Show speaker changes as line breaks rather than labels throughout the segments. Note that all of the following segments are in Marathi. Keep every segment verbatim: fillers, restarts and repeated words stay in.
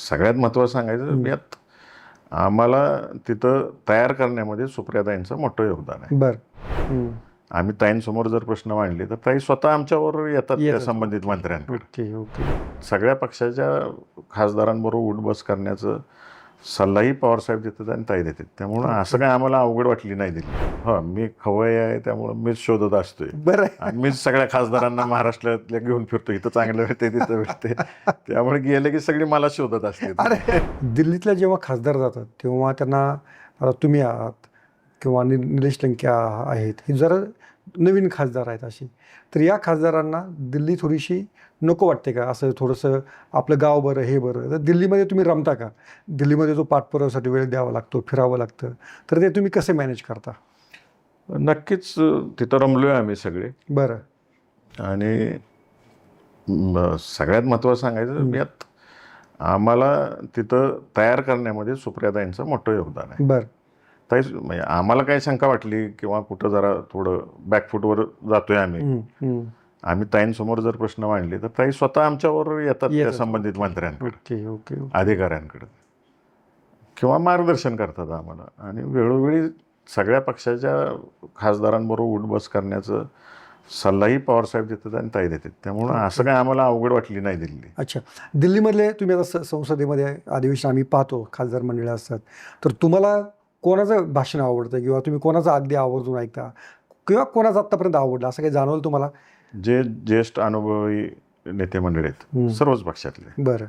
सगळ्यात महत्त्वाचं सांगायचं यात आम्हाला तिथं तयार करण्यामध्ये सुप्रियाताईंचं मोठं योगदान आहे.
बरं.
आम्ही ताईंसमोर जर प्रश्न मांडले तर ताई स्वतः आमच्यावर येतात त्या
येतात.
संबंधित मंत्र्यांकडे.
ओके ओके
सगळ्या पक्षाच्या खासदारांबरोबर उठबस करण्याचं सल्लाही पवारसाहेब देतात आणि ताई देतात. त्यामुळं असं काय आम्हाला अवघड वाटली नाही दिली. हो, मी खवय आहे त्यामुळं मीच शोधत असतोय
बरं.
आणि मीच सगळ्या खासदारांना महाराष्ट्रातल्या घेऊन फिरतो. इथं चांगलं भेटते तिथं भेटते त्यामुळे गेले की सगळी मला शोधत असते.
अरे दिल्लीतल्या जेव्हा खासदार जातात तेव्हा त्यांना आता तुम्ही आहात किंवा नि निलेश लंके आहेत, हे जरा नवीन खासदार आहेत अशी, तर या खासदारांना दिल्ली थोडीशी नको वाटते का? असं थोडंसं आपलं गाव बरं हे बरं, तर दिल्लीमध्ये तुम्ही रमता का? दिल्लीमध्ये जो पाठपुराव्यासाठी वेळ द्यावा लागतो, फिरावं लागतं, तर ते तुम्ही कसे मॅनेज करता?
नक्कीच तिथं रमलोय आम्ही सगळे.
बरं.
आणि म, सगळ्यात महत्त्वाचं सांगायचं यात आम्हाला तिथं तयार करण्यामध्ये सुप्रियाताईंचं मोठं योगदान आहे.
बरं.
ताई म्हणजे आम्हाला काही शंका वाटली किंवा कुठं जरा थोडं बॅकफूटवर जातोय आम्ही
हम्म, हम्म.
आम्ही ताईंसमोर जर प्रश्न मांडले तर ताई स्वतः आमच्यावर येतात त्या
येतात.
संबंधित मंत्र्यांकडे,
ओके ओके ओके.
अधिकाऱ्यांकडे किंवा मार्गदर्शन करतात आम्हाला. आणि वेळोवेळी सगळ्या पक्षाच्या खासदारांबरोबर उठबस करण्याचं सल्लाही पवारसाहेब देतात आणि ताई देतात. त्यामुळं असं काय आम्हाला अवघड वाटली नाही दिल्ली.
अच्छा, दिल्लीमधले तुम्ही आता स संसदेमध्ये अधिवेशन आम्ही पाहतो, खासदार मंडळी असतात, तर तुम्हाला कोणाचं भाषण आवडतं किंवा तुम्ही कोणाचं अगदी आवर्जून ऐकता किंवा कोणाचं आत्तापर्यंत आवडलं असं काही जाणवलं तुम्हाला?
जे ज्येष्ठ अनुभवी नेते मंडळी आहेत सर्वच पक्षातले,
बरं.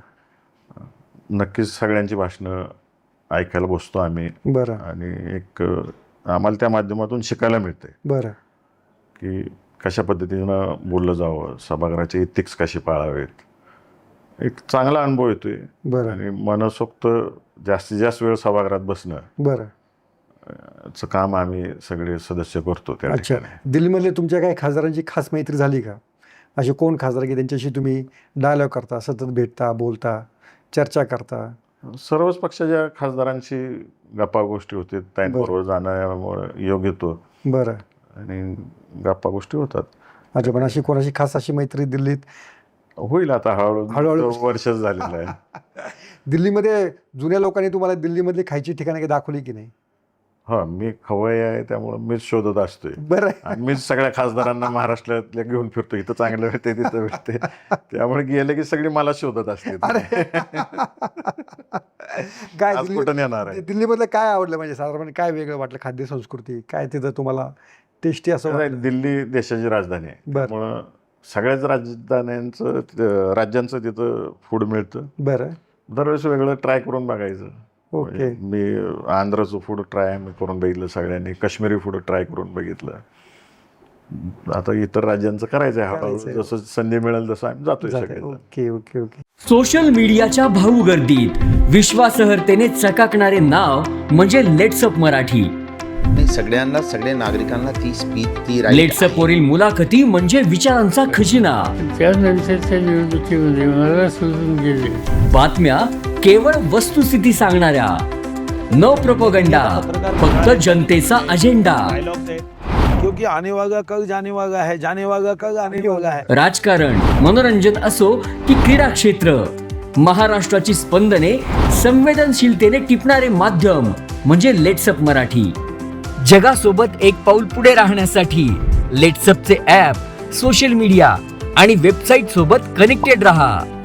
नक्कीच सगळ्यांची भाषणं ऐकायला बसतो आम्ही.
बरं.
आणि एक आम्हाला त्या माध्यमातून शिकायला मिळते
बरं.
की कशा पद्धतीनं बोललं जावं, सभागृहाचे इथिक्स कशी पाळावेत, एक चांगला अनुभव येतोय.
बरं.
आणि मनसोक्त जास्तीत जास्त वेळ सभागृहात बसणं
बरं.
चं काम आम्ही सगळे सदस्य करतो त्या
अच्छा,
ठिकाणी.
दिल्लीमधले तुमच्या काही खासदारांची खास मैत्री झाली का? असे कोण खासदार की त्यांच्याशी तुम्ही डायलॉग करता, सतत भेटता, बोलता, चर्चा करता?
सर्वच पक्षाच्या खासदारांशी गप्पा गोष्टी होतात. त्यांबरोबर जाण्यामुळे योग येतो
बरं.
आणि गप्पा गोष्टी होतात.
अच्छा, पण अशी कोणाशी खास अशी मैत्री दिल्लीत
होईल आता हळूहळू.
हळूहळू.
वर्षच झालेलं आहे.
दिल्लीमध्ये जुन्या लोकांनी तुम्हाला दिल्लीमधली खायची ठिकाणं काही दाखवली की नाही?
हो, मी खवय आहे त्यामुळे मीच शोधत असतोय
बरं.
आणि मीच सगळ्या खासदारांना महाराष्ट्रातल्या घेऊन फिरतो. इथं चांगलं भेटते तिथं भेटते त्यामुळे गेले की सगळी मला शोधत असते.
काय
आज
दिल्ली-
कुठं नेणार आहे?
दिल्लीमधलं काय आवडलं, म्हणजे साधारणपणे काय वेगळं वाटलं? खाद्य संस्कृती काय तिथं तुम्हाला टेस्टी असं वाटलं?
दिल्ली देशाची राजधानी आहे,
बरं.
त्यामुळं सगळ्याच राजधान्यांचं तिथं- राज्यांचं तिथं फूड मिळतं.
बरं.
दरवेळेस वेगळं ट्राय करून बघायचं.
ओके.
मी आंध्रचं फूड ट्राय मी करून बघितलं सगळ्यांनी, काश्मीरी फूड ट्राय करून बघितलं. आता इतर राज्यांचं करायचं आहे हळूहळू.
करायचंय.
जसं संधी मिळेल तसं आम्ही जातोय
जाते.
सगळे.
Okay okay okay.
सोशल मीडियाच्या भाऊ गर्दीत विश्वासार्हतेने चकाकणारे नाव म्हणजे लेट्सअप मराठी.
नाही, सगळ्यांना सगळ्या नागरिकांना ती स्पीच ती right
लेट्सअप
आहे.
वरील मुलाखती म्हणजे विचारांचा खजिना.
त्यानंतरच्या निवडणुकीमध्ये मला सोडून गेले.
बातम्या केवळ वस्तुस्थिती सांगणाऱ्या, न प्रोपगंडा, फक्त जनतेचा अजेंडा.
क्योंकि आने वाला कल जाने वाला है, जाने वाला कल आने वाला है.
राजकारण, मनोरंजन असो की क्रीडा क्षेत्र, महाराष्ट्राची स्पंदने संवेदनशीलतेने टिपणारे माध्यम म्हणजे लेट्सअप मराठी. जगासोबत एक पाऊल पुढे राहण्यासाठी लेट्सअपचे ॲप, सोशल मीडिया आणि वेबसाईट सोबत कनेक्टेड रहा.